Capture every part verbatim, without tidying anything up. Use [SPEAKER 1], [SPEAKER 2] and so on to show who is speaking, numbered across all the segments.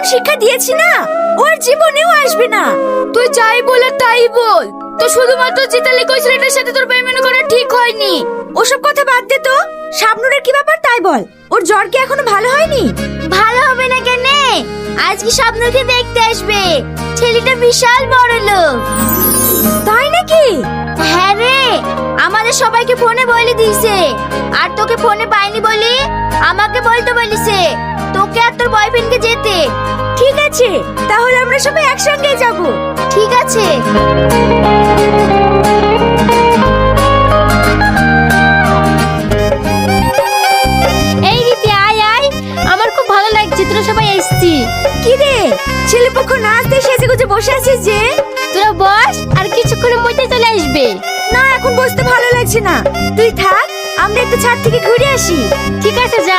[SPEAKER 1] শিক্ষা দিয়েছি না, ওর জীবনেও আসবে না।
[SPEAKER 2] তুই যাই বলে তাই বল, তো শুধুমাত্র জিতালি কই ছেলেটার সাথে তোর পেমেন্ট করা ঠিক হয়নি।
[SPEAKER 1] ওসব কথা বাদ দে তো, শাবনুরের কি ব্যাপার তাই বল। ওর জ্বর কি এখনো ভালো হয়নি?
[SPEAKER 2] ভালো হবে না কেন? আজকে শাবনুরকে দেখতে আসবে, ছেলেটা বিশাল বড় লোক।
[SPEAKER 1] তাই নাকি?
[SPEAKER 2] হ্যাঁ রে, আমাদের সবাইকে ফোনে বলে দিয়েছে। আর তোকে ফোনে পাইনি বলি আমাকে বলতে বলিছে তোকে আর তোর বয়ফ্রেন্ডকে যেতে।
[SPEAKER 1] ঠিক আছে, তাহলে আমরা সবাই একসঙ্গে যাব।
[SPEAKER 2] ঠিক আছে। এই রীতি, আয় আয়, আমার খুব ভালো লাগছে তোরা সবাই এসেছি।
[SPEAKER 1] কি রে, ছেলেপক্ষ না আসতে সেজে গুজে বসে আছিস যে?
[SPEAKER 2] তোরা বস, আর কিছুক্ষণের মধ্যে চলে আসবে।
[SPEAKER 1] না, এখন বসতে ভালো লাগছে না, তুই থাক, আমরা একটু ছাদ থেকে ঘুরে আসি।
[SPEAKER 2] ঠিক আছে, যা।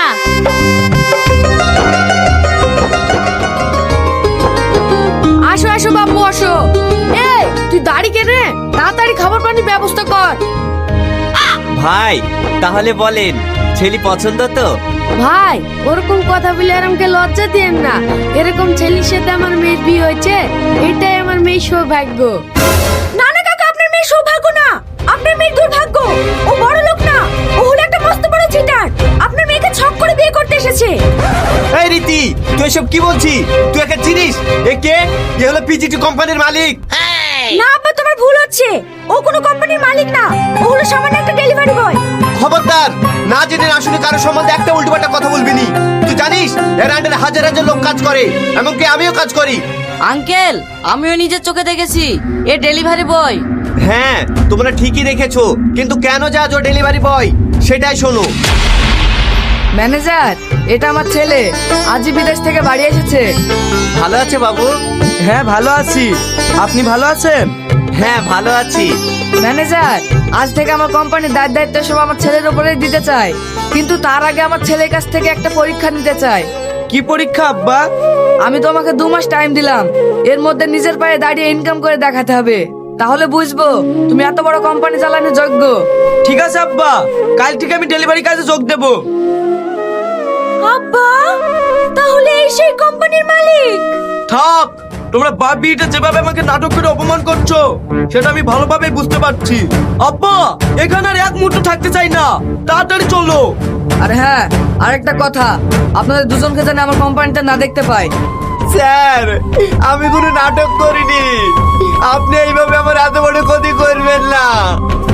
[SPEAKER 3] আসো আসো বাবু আসো। এই তুই দাঁড়ি কেনে, তাড়াতাড়ি খাবার পানির ব্যবস্থা কর।
[SPEAKER 4] ভাই তাহলে বলেন, ছেলে পছন্দ তো?
[SPEAKER 3] ভাই ওরকম কথা বলে আর আমাকে লজ্জা দিয়েন না। এরকম ছেলের সাথে আমার মেয়ের বিয়ে হয়েছে, এটাই আমার মেয়ের সৌভাগ্য।
[SPEAKER 1] না না কাকা, আপনার মেয়ে সৌভাগ্য না, আপনার মেয়ের দুর্ভাগ্য। ও বড় লোক না, ও হলো একটা মস্ত বড় চিটার। আপনার মেয়েকে ছক করে বিয়ে করতে এসেছে।
[SPEAKER 4] এই রীতি, তুই এসব কি বলছিস? তুই একে চিনিস? এ কে? এ হলো পিজিটি কোম্পানির মালিক।
[SPEAKER 1] না আব্বা, তোমার ভুল হচ্ছে, ও কোনো কোম্পানির মালিক না, ও হলো সামান্য একটা ডেলিভারি বয়।
[SPEAKER 4] খবরদার, না জেনে না শুনে কারোর সম্বন্ধে একটা উল্টোপাল্টা কথা বলবি নি। তুই জানিস এর আন্ডারে হাজার হাজার লোক কাজ করে, এমনকি আমিও কাজ করি।
[SPEAKER 5] আঙ্কেল, আমিও নিজের চোখে দেখেছি, এ ডেলিভারি বয়।
[SPEAKER 4] হ্যাঁ, তোমরা ঠিকই দেখেছো, কিন্তু কেন যাজ ও ডেলিভারি বয় সেটাই শোনো।
[SPEAKER 3] ম্যানেজার, এটা আমার ছেলে, আজই বিদেশ থেকে বাড়ি এসেছে।
[SPEAKER 4] ভালো আছে বাবু?
[SPEAKER 6] হ্যাঁ ভালো আছি, আপনি ভালো আছেন?
[SPEAKER 4] হ্যাঁ ভালো আছি।
[SPEAKER 3] ম্যানেজার, আজ থেকে আমার কোম্পানির দায় দায়িত্ব সব আমার ছেলের উপরে দিতে চাই, কিন্তু তার আগে আমার ছেলের কাছ থেকে একটা পরীক্ষা নিতে চাই।
[SPEAKER 6] কি পরীক্ষা আব্বা?
[SPEAKER 3] আমি তোমাকে দু মাস টাইম দিলাম, এর মধ্যে নিজের পায়ে দাঁড়িয়ে ইনকাম করে দেখাতে হবে, তাহলে বুঝবো তুমি এত বড় কোম্পানি চালানোর যোগ্য।
[SPEAKER 6] ঠিক আছে আব্বা, কাল থেকে আমি ডেলিভারি কাজে যোগ দেব।
[SPEAKER 1] আব্বা, তাহলে এই সেই কোম্পানির মালিক?
[SPEAKER 6] থাক, তোমরা বাপ বিয়েটা যেভাবে আমাকে নাটক করে অপমান করছো সেটা আমি ভালোভাবে বুঝতে পারছি। আব্বা, এখানে আর এক মুহূর্ত থাকতে চাই না, তাড়াতাড়ি চলো।
[SPEAKER 3] আর হ্যাঁ, আরেকটা কথা, আপনাদের দুজনকে যেন আমার কোম্পানিটা না দেখতে পাই।
[SPEAKER 4] স্যার, আমি কোনো নাটক করিনি, আপনি এইভাবে আমার এত বড় ক্ষতি করবেন না।